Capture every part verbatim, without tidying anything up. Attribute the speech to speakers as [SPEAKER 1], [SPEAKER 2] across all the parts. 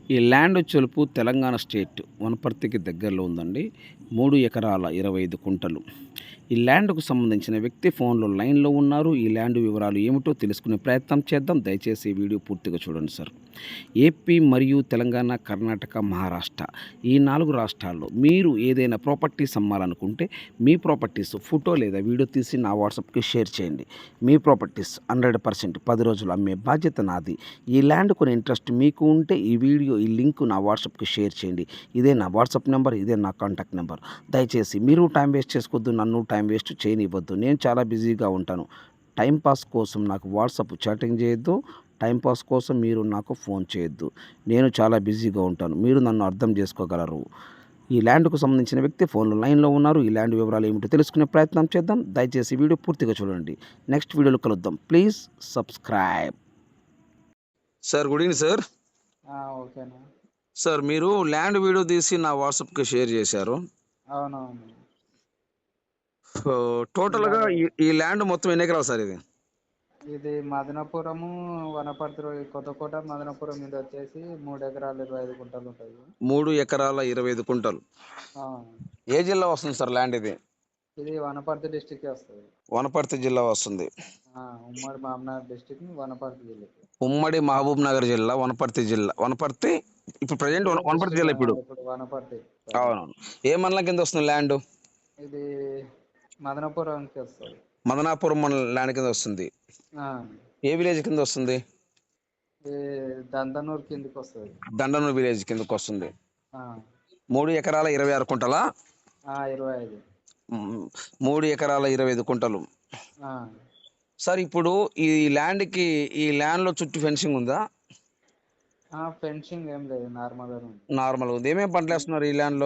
[SPEAKER 1] ఈ ల్యాండ్ వచ్చేలుపు తెలంగాణ స్టేట్ వనపర్తికి దగ్గరలో ఉందండి. మూడు ఎకరాల ఇరవై ఐదు కుంటలు. ఈ ల్యాండ్‌కు సంబంధించిన వ్యక్తి ఫోన్‌లో లైన్‌లో ఉన్నారు. ఈ ల్యాండ్ వివరాలు ఏమిటో తెలుసుకునే ప్రయత్నం చేద్దాం. దయచేసి ఈ వీడియో పూర్తిగా చూడండి సార్. ఏపీ మరియు తెలంగాణ, కర్ణాటక, మహారాష్ట్ర ఈ నాలుగు రాష్ట్రాల్లో మీరు ఏదైనా ప్రాపర్టీస్ అమ్మాలనుకుంటే మీ ప్రాపర్టీస్ ఫోటో లేదా వీడియో తీసి నా వాట్సాప్‌కి షేర్ చేయండి. మీ ప్రాపర్టీస్ హండ్రెడ్ పర్సెంట్ పది రోజులు అమ్మే బాధ్యత నాది. ఈ ల్యాండ్ కొనే ఇంట్రెస్ట్ మీకు ఉంటే ఈ వీడియో ఈ లింక్ నా వాట్సాప్‌కి షేర్ చేయండి. ఇదే నా వాట్సాప్ నెంబర్, ఇదే నా కాంటాక్ట్ నెంబర్. దయచేసి మీరు టైం వేస్ట్ చేసుకోవద్దు, నన్ను టైం వేస్ట్ చేయనివ్వద్దు. నేను చాలా బిజీగా ఉంటాను. టైం పాస్ కోసం నాకు వాట్సాప్ చాటింగ్ చేయొద్దు. టైం పాస్ కోసం మీరు నాకు ఫోన్ చేయొద్దు. నేను చాలా బిజీగా ఉంటాను. మీరు నన్ను అర్థం చేసుకోగలరు. ఈ ల్యాండ్‌కు సంబంధించిన వ్యక్తి ఫోన్‌లో లైన్‌లో ఉన్నారు. ఈ ల్యాండ్ వివరాలు ఏమిటో తెలుసుకునే ప్రయత్నం చేద్దాం. దయచేసి వీడియో పూర్తిగా చూడండి. నెక్స్ట్ వీడియోలో కలుద్దాం. Please subscribe.
[SPEAKER 2] Sir good evening sir.
[SPEAKER 3] ఆ! ఓకేనా.
[SPEAKER 2] సార్ మీరు ల్యాండ్ వీడియో తీసి నా వాట్సాప్కి షేర్ చేశారు.
[SPEAKER 3] అవునవును.
[SPEAKER 2] సో టోటల్గా
[SPEAKER 3] ఇలాగే
[SPEAKER 2] ఈ ఈ ల్యాండ్ మొత్తం ఎన్ని ఎకరాలు సార్ ఇది?
[SPEAKER 3] ఇది మదనపురము, వనపర్తి రో కొత్తకోట, మదనపురం మీద వచ్చేసి మూడు ఎకరాలు ఇరవై ఐదు గుంటలు ఉంటాయి.
[SPEAKER 2] మూడు ఎకరాల ఇరవై ఐదు కుంటలు.
[SPEAKER 3] ఆ!
[SPEAKER 2] ఏ జిల్లా వస్తుంది సార్ ల్యాండ్ ఇది?
[SPEAKER 3] ఇది వనపర్తి డిస్ట్రిక్ట్‌కే వస్తది.
[SPEAKER 2] వనపర్తి జిల్లా వస్తుంది.
[SPEAKER 3] ఆ! ఉమ్మడి మామనార్ డిస్ట్రిక్ట్ వనపర్తి జిల్లాకి.
[SPEAKER 2] ఉమ్మడి మహబూబ్ నగర్ జిల్లా, వనపర్తి జిల్లా. వనపర్తి ఇప్పుడు ప్రజెంట్
[SPEAKER 3] ఇప్పుడు
[SPEAKER 2] వనపర్తి
[SPEAKER 3] డిస్ట్రిక్ట్
[SPEAKER 2] జిల్లా ఇప్పుడు.
[SPEAKER 3] ఇప్పుడు వనపర్తి.
[SPEAKER 2] అవునవును. ఏ మండలం కింద వస్తుంది ల్యాండ్?
[SPEAKER 3] ఇది మదనపురంకి వస్తది.
[SPEAKER 2] మదనాపురం మండలం ల్యాండ్ కింద వస్తుంది.
[SPEAKER 3] ఆ!
[SPEAKER 2] ఏ విలేజ్ కింద వస్తుంది?
[SPEAKER 3] ఇది దంతనూరు కిందకి వస్తది.
[SPEAKER 2] దండనూరు విలేజ్ కిందకు వస్తుంది.
[SPEAKER 3] ఆ!
[SPEAKER 2] మూడు ఎకరాల ఇరవై ఆరు కుంటలా?
[SPEAKER 3] ఆ! ఇరవై ఐదు.
[SPEAKER 2] మ్, మూడు ఎకరాల ఇరవై ఐదు కుంటలు.
[SPEAKER 3] ఆ!
[SPEAKER 2] సార్ ఇప్పుడు ఈ ల్యాండ్కి ఈ ల్యాండ్లో చుట్టూ ఫెన్సింగ్ ఉందా?
[SPEAKER 3] ఆ! ఫెన్సింగ్ ఏం లేదు, నార్మల్‌గానే ఉంది.
[SPEAKER 2] నార్మల్గా ఉంది. ఏమేమి పంటలు వేస్తున్నారు ఈ ల్యాండ్లో?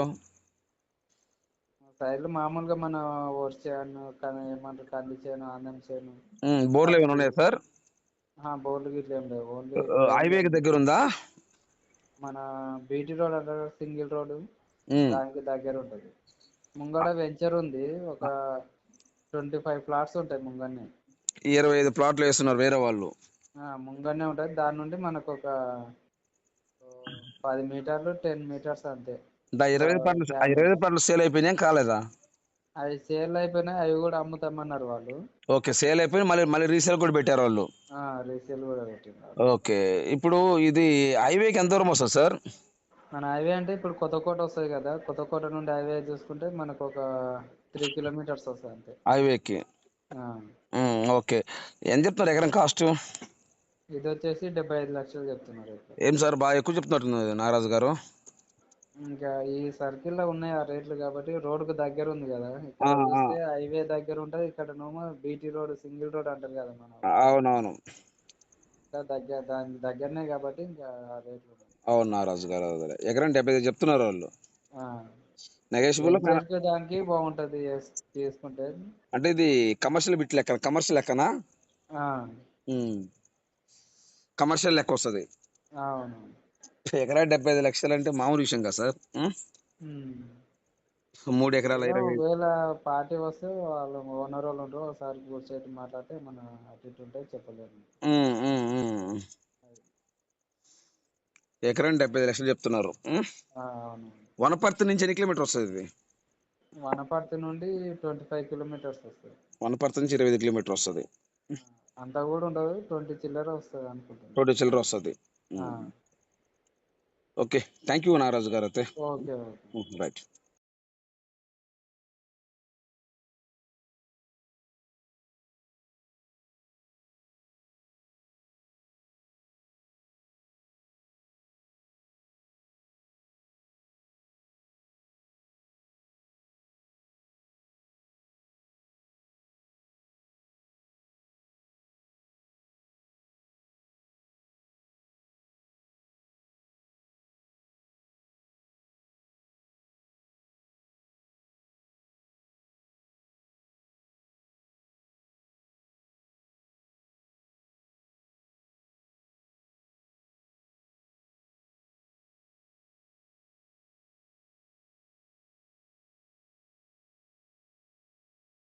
[SPEAKER 3] సైడ్లు మామూలుగా మన వరి చేను, కానీ ఏమంటారు కంది చేను, ఆందం చేను,
[SPEAKER 2] ఉమ్, బోర్లు ఏమైనా
[SPEAKER 3] పత్తి.
[SPEAKER 2] ఉన్నాయా సార్?
[SPEAKER 3] ఆ, బోర్లు గిట్ల ఏం లేవు. ఓన్లీ
[SPEAKER 2] హైవేకి దగ్గర ఉందా?
[SPEAKER 3] మన బీటీ రోడ్ అంటారు, సింగిల్ రోడ్,
[SPEAKER 2] ఉమ్,
[SPEAKER 3] దానికి దగ్గర ఉంటుంది. ముంగడ వెంచర్ ఉంది, ఒక ట్వంటీ ఫైవ్ ప్లాట్స్ ఉంటాయి ముంగన్నే.
[SPEAKER 2] ఇరవై ఐదు ప్లాట్లు వేస్తున్నారు వేరే వాళ్ళు.
[SPEAKER 3] ఆ, ముంగన్నే ఉంటుంది. దాని నుండి మనకు ఒక ఓ, పది మీటర్లు టెన్ మీటర్స్ అంతే.
[SPEAKER 2] దా ఇరవై ఐదు ప్లాట్లు ఆ ఇరవై ఐదు ప్లాట్లు సేల్ అయిపోయినాయి కాలేదా?
[SPEAKER 3] అవి సేల్ అయిపోయినాయి, అవి కూడా అమ్ముతామన్నారు వాళ్ళు.
[SPEAKER 2] ఓకే, సేల్ అయిపోయి మళ్ళీ మళ్ళీ రీసేల్ కూడా పెట్టారు వాళ్ళు.
[SPEAKER 3] రీసేల్ కూడా పెట్టినారు.
[SPEAKER 2] ఓకే, ఇప్పుడు ఇది హైవేకి ఎంత దూరం వస్తుంది సార్?
[SPEAKER 3] మన హైవే అంటే ఇప్పుడు కొత్తకోట వస్తుంది కదా, కొత్తకోట నుండి హైవే చూసుకుంటే మనకు ఒక త్రీ కిలోమీటర్స్ వస్తుంది అంతే.
[SPEAKER 2] హైవేకి.
[SPEAKER 3] ఆ,
[SPEAKER 2] ఉమ్, ఓకే. ఎంత చెప్తున్నారు ఎకరం కాస్ట్?
[SPEAKER 3] ఇది వచ్చేసి డెబ్బై ఐదు లక్షలు చెప్తున్నారు ఇప్పుడు.
[SPEAKER 2] ఏం సార్ బాగా ఎక్కువ చెప్తున్నట్టున్నారు నాగరాజు గారు.
[SPEAKER 3] ఇంకా ఈ సర్కిల్లో ఉన్నాయి ఆ రేట్లు, కాబట్టి రోడ్డుకు దగ్గర ఉంది కదా.
[SPEAKER 2] ఆ,
[SPEAKER 3] ఇక్కడ
[SPEAKER 2] ఆ,
[SPEAKER 3] చూస్తే హైవే దగ్గర ఉంటుంది, ఇక్కడ నోమో బీటీ రోడ్ సింగిల్ రోడ్ అంటారు కదా మన వాళ్ళు.
[SPEAKER 2] అవునవును.
[SPEAKER 3] ఇంకా దగ్గర దాని దగ్గరనే కాబట్టి ఇంకా ఆ రేట్లు ఉన్నాయి.
[SPEAKER 2] అవును నాగరాజు గారు, అదే ఎకరం డెబ్బై ఐదు చెప్తున్నారు వాళ్ళు.
[SPEAKER 3] ఆ,
[SPEAKER 2] నెగోషియబుల్
[SPEAKER 3] వెంచర్కి దానికి బాగుంటుంది తీసుకుంటే.
[SPEAKER 2] అంటే ఇది కమర్షియల్ బిట్ లెక్క, కమర్షియల్ లెక్కనా?
[SPEAKER 3] ఆ,
[SPEAKER 2] కమర్షియల్ లెక్క వస్తుంది.
[SPEAKER 3] అవును.
[SPEAKER 2] ఎకరా డెబ్బై ఐదు లక్షలు అంటే మామూలు విషయం కదా సార్. ఉమ్,
[SPEAKER 3] ఉమ్.
[SPEAKER 2] మూడు ఎకరాల
[SPEAKER 3] ఏదో
[SPEAKER 2] ఇరవై
[SPEAKER 3] ఒకవేళ పార్టీ వస్తే వాళ్ళు ఓనర్ వాళ్ళు ఉంటారు, ఒకసారి కూర్చొని మాట్లాడితే మన అటు ఇటు ఉంటే చెప్పలేము.
[SPEAKER 2] ఉమ్, ఉమ్, ఉమ్. ఎకరం డెబ్బై ఐదు లక్షలు చెప్తున్నారు. ఉమ్.
[SPEAKER 3] ఆ, అవును.
[SPEAKER 2] వనపర్తి నుంచి ఎన్ని కిలోమీటర్ వస్తుంది ఇది?
[SPEAKER 3] వనపర్తి నుండి ట్వంటీ ఫైవ్ కిలోమీటర్స్ వస్తుంది.
[SPEAKER 2] వనపర్తి నుంచి ఇరవై ఐదు కిలోమీటర్ వస్తుంది.
[SPEAKER 3] అంతా కూడా ఉండదు, ట్వంటీ చిల్లర వస్తుంది అనుకుంటున్నాను.
[SPEAKER 2] రోడ్డు చిల్లర వస్తుంది.
[SPEAKER 3] ఆ,
[SPEAKER 2] okay, thank you Nagaraju garu అయితే.
[SPEAKER 3] Okay okay.
[SPEAKER 2] రైట్.